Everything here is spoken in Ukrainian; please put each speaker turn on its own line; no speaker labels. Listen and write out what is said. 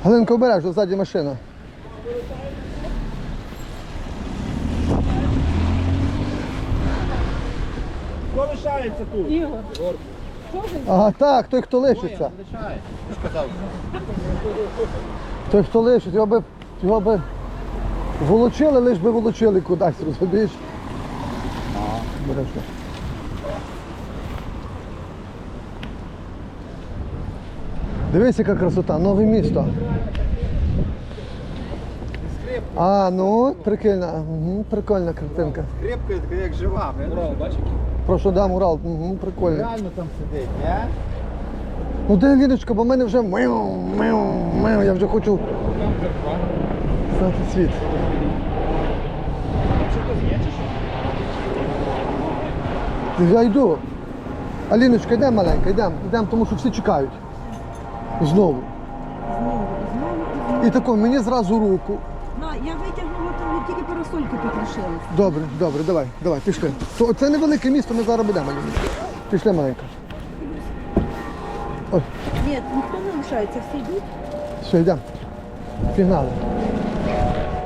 Галинка, обережно, ззаді машина.
Хто лишається тут?
Ігор.
Ага, так, той, хто лишиться.
Лишає. Ти ж казав.
Той, хто лишить, його би волочили, лиш би волочили кудись, розумієш? Обережно. Дивись, яка красота, нове місто. А, ну, прикольна, прикольна картинка.
Скрипка така як жива. Урал, бачиш?
Прошу, дам Урал, прикольно.
Реально там сидить, ні?
Ну де Ліночка, бо в мене вже я вже хочу знати світ.
Що тут є чи що?
Я йду. Аліночка, йдемо маленька, йдемо, тому що всі чекають. Знову. І тако, мені зразу руку.
Я витягнула, там тільки парасольки тут лишились.
Добре, давай, пішли. Це невелике місто, ми зараз будемо, Аліночка. Пішли, маленька. Ой,
Ні, ніхто не лишається, всі йдуть.
все, йдемо. Пігнали.